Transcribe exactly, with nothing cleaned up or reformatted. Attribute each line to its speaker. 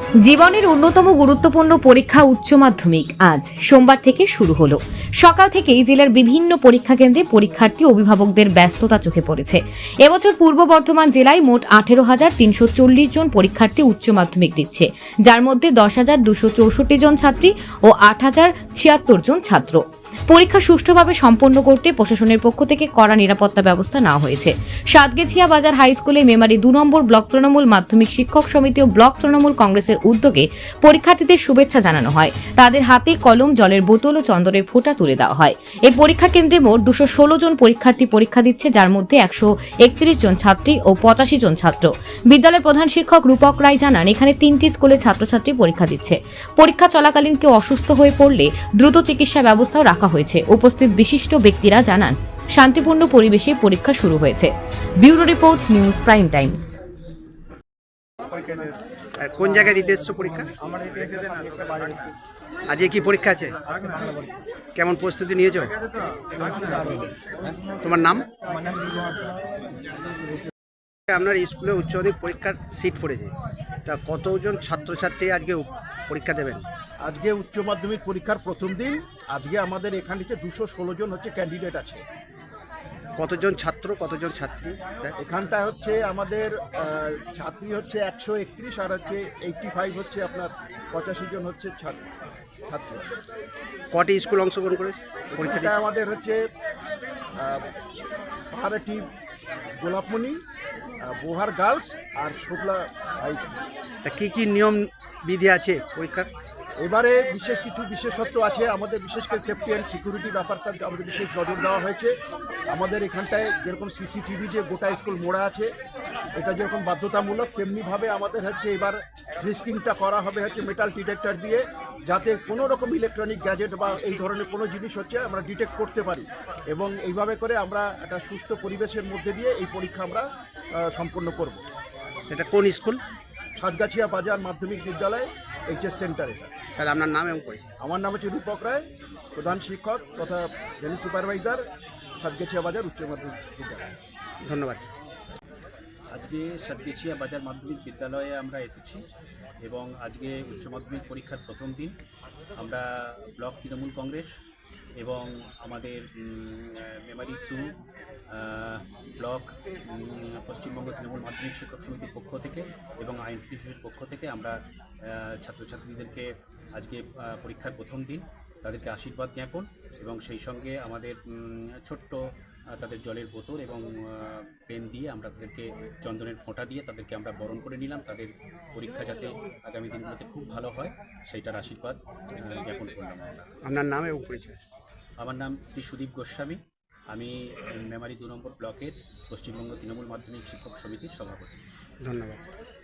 Speaker 1: জীবনের অন্যতম গুরুত্বপূর্ণ পরীক্ষা উচ্চ মাধ্যমিক আজ সোমবার থেকে শুরু হলো। সকাল থেকেই জেলার বিভিন্ন পরীক্ষা কেন্দ্রে পরীক্ষার্থী অভিভাবকদের ব্যস্ততা চোখে পড়েছে। এবছর পূর্ব বর্ধমান জেলায় মোট আঠেরো হাজার তিনশো চল্লিশ জন পরীক্ষার্থী উচ্চ মাধ্যমিক দিচ্ছে, যার মধ্যে দশ হাজার দুশো চৌষট্টি জন ছাত্রী ও আট হাজার ছিয়াত্তর জন ছাত্র। পরীক্ষা সুষ্ঠুভাবে সম্পন্ন করতে প্রশাসনের পক্ষ থেকে কড়া নিরাপত্তা ব্যবস্থা নেওয়া হয়েছে। সাতগেছিয়া বাজার হাই স্কুলে মেমারি দু নম্বর ব্লক তৃণমূল মাধ্যমিক শিক্ষক সমিতি ও ব্লক তৃণমূল কংগ্রেসের উদ্যোগে পরীক্ষার্থীদের শুভেচ্ছা জানানো হয়। তাদের হাতে কলম, জলের বোতল ও চন্দনের ফোঁটা তুলে দেওয়া হয়। এই পরীক্ষা কেন্দ্রে মোট দুশো ষোলো জন পরীক্ষার্থী পরীক্ষা দিচ্ছে, যার মধ্যে একশো একত্রিশ জন ছাত্রী ও পঁচাশি জন ছাত্র। বিদ্যালয়ের প্রধান শিক্ষক রূপক রায় জানান, এখানে তিনটি স্কুলের ছাত্রছাত্রী পরীক্ষা দিচ্ছে। পরীক্ষা চলাকালীন কেউ অসুস্থ হয়ে পড়লে দ্রুত চিকিৎসা ব্যবস্থাও রাখা হয়েছে। উপস্থিত বিশিষ্ট ব্যক্তিরা জানান, শান্তিপূর্ণ পরিবেশে পরীক্ষা শুরু হয়েছে। Bureau report, news prime times.
Speaker 2: আর কোন জায়গায় দিতে এসছো পরীক্ষা? আজকে কি পরীক্ষা আছে? কেমন প্রস্তুতি নিয়েছো? তোমার নাম? আপনার স্কুলে উচ্চ মাধ্যমিক পরীক্ষার সিট পড়েছে, তা কতজন ছাত্রছাত্রী আজকে পরীক্ষা দেবেন?
Speaker 3: আজকে উচ্চ মাধ্যমিক পরীক্ষার প্রথম দিন। আজকে আমাদের এখানে দুশো ষোলো জন হচ্ছে ক্যান্ডিডেট আছে।
Speaker 2: কতজন ছাত্র, কতজন ছাত্রী স্যার?
Speaker 3: এখানটা হচ্ছে আমাদের আহ, ছাত্রী হচ্ছে একশো একত্রিশ আর হচ্ছে এইটটি ফাইভ হচ্ছে আপনার পঁচাশি জন হচ্ছে ছাত্র ছাত্র
Speaker 2: কটি স্কুল অংশগ্রহণ করেছে পরীক্ষা?
Speaker 3: পরীক্ষাটা আমাদের হচ্ছে আহ, পাহাড়াটি গোলাপমণি, আহ, বোহার গার্লস আর শুক্লা হাই স্কুল।
Speaker 2: তা কী কী নিয়ম বিধি আছে পরীক্ষার?
Speaker 3: এবারে বিশেষ কিছু বিশেষত্ব আছে আমাদের, বিশেষ করে সেফটি অ্যান্ড সিকিউরিটি ব্যাপারটা আমাদের বিশেষ নজর দেওয়া হয়েছে। আমাদের এখানটায় যেরকম সিসিটিভি যে গোটা স্কুল মোড়া আছে, এটা যেরকম বাধ্যতামূলক, তেমনিভাবে আমাদের হচ্ছে এবার ফ্রিস্কিংটা করা হবে হচ্ছে মেটাল ডিটেক্টর দিয়ে, যাতে কোনো রকম ইলেকট্রনিক গ্যাজেট বা এই ধরনের কোনো জিনিস হচ্ছে আমরা ডিটেক্ট করতে পারি। এবং এইভাবে করে আমরা একটা সুস্থ পরিবেশের মধ্যে দিয়ে এই পরীক্ষা আমরা সম্পন্ন করব।
Speaker 2: এটা কোন স্কুল?
Speaker 3: সাতগাছিয়া বাজার মাধ্যমিক বিদ্যালয়, এইচএস সেন্টার। এটা
Speaker 2: স্যার আপনার নাম এবং পরিচয়?
Speaker 3: আমার নাম হচ্ছে রূপক রায়, প্রধান শিক্ষক তথা জেনারেল সুপারভাইজার, সাতগেছিয়া বাজার উচ্চ মাধ্যমিক বিদ্যালয়।
Speaker 2: ধন্যবাদ স্যার।
Speaker 4: আজকে সাতগেছিয়া বাজার মাধ্যমিক বিদ্যালয়ে আমরা এসেছি এবং আজকে উচ্চ মাধ্যমিক পরীক্ষার প্রথম দিন। আমরা ব্লক তৃণমূল কংগ্রেস এবং আমাদের মেমারি টু ব্লক পশ্চিমবঙ্গ তৃণমূল মাধ্যমিক শিক্ষক সমিতির পক্ষ থেকে এবং আইন শিশুর পক্ষ থেকে আমরা ছাত্রছাত্রীদেরকে আজকে পরীক্ষার প্রথম দিন তাদেরকে আশীর্বাদ জ্ঞাপন এবং সেই সঙ্গে আমাদের ছোট্ট তাদের জলের বোতল এবং পেন দিয়ে আমরা তাদেরকে চন্দনের ফোঁটা দিয়ে তাদেরকে আমরা বরণ করে নিলাম। তাদের পরীক্ষা যাতে আগামী দিনগুলোতে খুব ভালো হয় সেইটার আশীর্বাদ জ্ঞাপন করলাম। আমরা।
Speaker 2: আপনার নাম এবং পরিচয়?
Speaker 4: আমার নাম শ্রী সুদীপ গোস্বামী, আমি মেমারি দু নম্বর ব্লকের পশ্চিমবঙ্গ তৃণমূল মাধ্যমিক শিক্ষক সমিতির সভাপতি।
Speaker 2: ধন্যবাদ।